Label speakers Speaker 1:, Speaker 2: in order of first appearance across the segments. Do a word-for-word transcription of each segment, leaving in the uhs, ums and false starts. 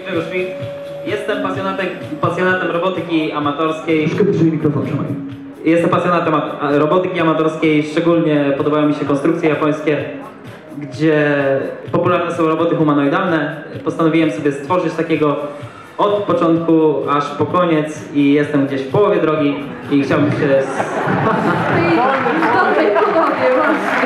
Speaker 1: Grzegorz Szwik. Jestem pasjonatem, pasjonatem robotyki amatorskiej.
Speaker 2: Troszkę bliżej mikrofon, trzymaj.
Speaker 1: Jestem pasjonatem robotyki amatorskiej, szczególnie podobają mi się konstrukcje japońskie, gdzie popularne są roboty humanoidalne. Postanowiłem sobie stworzyć takiego od początku aż po koniec i jestem gdzieś w połowie drogi i chciałbym się...
Speaker 3: I w dobrej połowie właśnie.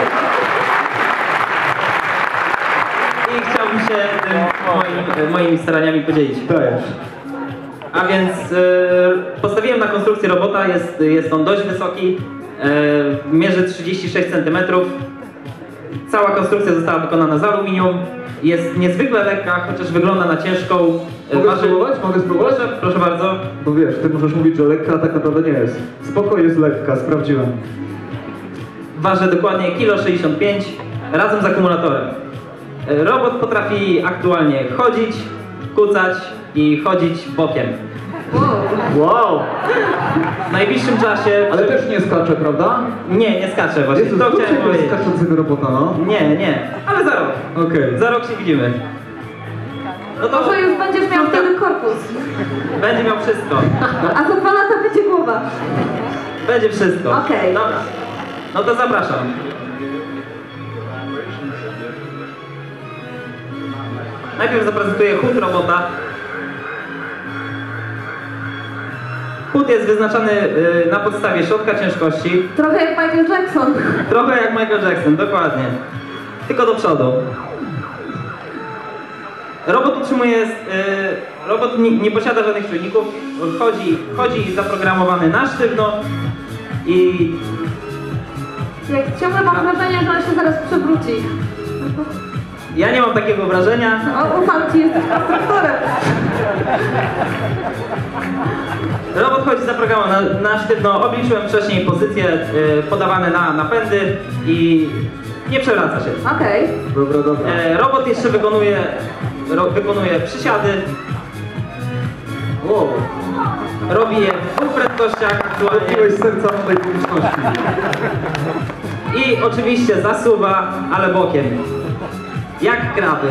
Speaker 1: I chciałbym się tym moim, moimi staraniami podzielić.
Speaker 2: Dajesz.
Speaker 1: A więc e, postawiłem na konstrukcję robota, jest, jest on dość wysoki, e, mierzy trzydzieści sześć centymetrów. Cała konstrukcja została wykonana z aluminium, jest niezwykle lekka, chociaż wygląda na ciężką.
Speaker 2: Mogę Waży... spróbować? Mogę spróbować?
Speaker 1: Proszę, proszę bardzo.
Speaker 2: Bo wiesz, ty możesz mówić, że lekka, a tak naprawdę nie jest. Spoko, jest lekka, sprawdziłem.
Speaker 1: Waży dokładnie kilo sześćdziesiąt pięć razem z akumulatorem. E, robot potrafi aktualnie chodzić, kucać i chodzić bokiem.
Speaker 2: Wow!
Speaker 1: W najbliższym czasie...
Speaker 2: Ale też nie skacze, prawda?
Speaker 1: Nie, nie skacze właśnie.
Speaker 2: Jezus,
Speaker 1: to chciałem powiedzieć.
Speaker 2: skaczącego robota, no?
Speaker 1: Nie, nie, ale za rok.
Speaker 2: Okej. Okay.
Speaker 1: Za rok się widzimy.
Speaker 3: No to może już będziesz miał wtedy korpus.
Speaker 1: Będzie miał wszystko.
Speaker 3: A za dwa lata będzie głowa.
Speaker 1: Będzie wszystko.
Speaker 3: Okej. Okay.
Speaker 1: Dobra. No to zapraszam. Najpierw zaprezentuję chód robota. Chód jest wyznaczany y, na podstawie środka ciężkości.
Speaker 3: Trochę jak Michael Jackson.
Speaker 1: Trochę jak Michael Jackson, dokładnie. Tylko do przodu. Robot utrzymuje, y, robot nie, nie posiada żadnych czujników. Chodzi, chodzi zaprogramowany na sztywno i...
Speaker 3: Jak ciągle mam wrażenie, że on się zaraz przewróci.
Speaker 1: Ja nie mam takiego wrażenia.
Speaker 3: O, ufam ci, jesteś konstruktorem.
Speaker 1: Robot chodzi zaprogramowany na, na sztywno. Obliczyłem wcześniej pozycje y, podawane na napędy i nie przewraca się.
Speaker 3: Okej. Okay.
Speaker 2: Dobra, dobra.
Speaker 1: E, robot jeszcze wykonuje, ro, wykonuje przysiady.
Speaker 2: Wow.
Speaker 1: Robi je w dwóch prędkościach aktualnie.
Speaker 2: Dotknąłeś serca tej publiczności.
Speaker 1: I oczywiście zasuwa, ale bokiem. Jak kraby.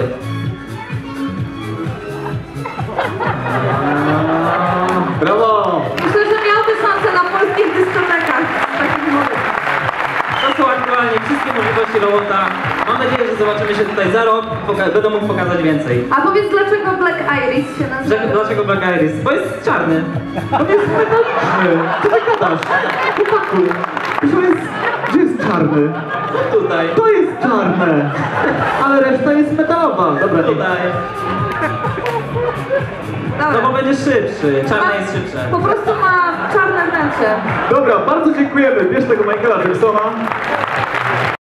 Speaker 2: Brawo!
Speaker 3: Myślę, że miałby szansę na polskich dyskotekach z takich modów.
Speaker 1: To są aktualnie wszystkie możliwości robota. Mam nadzieję, że zobaczymy się tutaj za rok. Będę mógł pokazać więcej.
Speaker 3: A powiedz, dlaczego Black Iris się nazywa?
Speaker 1: Że, dlaczego Black Iris? Bo jest czarny.
Speaker 2: On jest metaliczny! Co ty gadasz? Chłopaku! Gdzie jest, gdzie jest czarny?
Speaker 1: Tutaj.
Speaker 2: To jest czarne! Ale reszta jest metalowa. Dobra, nie.
Speaker 1: Tutaj. No bo będzie szybszy. Czarne jest szybsze.
Speaker 3: Po prostu ma czarne wnętrze.
Speaker 2: Dobra, bardzo dziękujemy. Bierz tego Michaela Jacksona.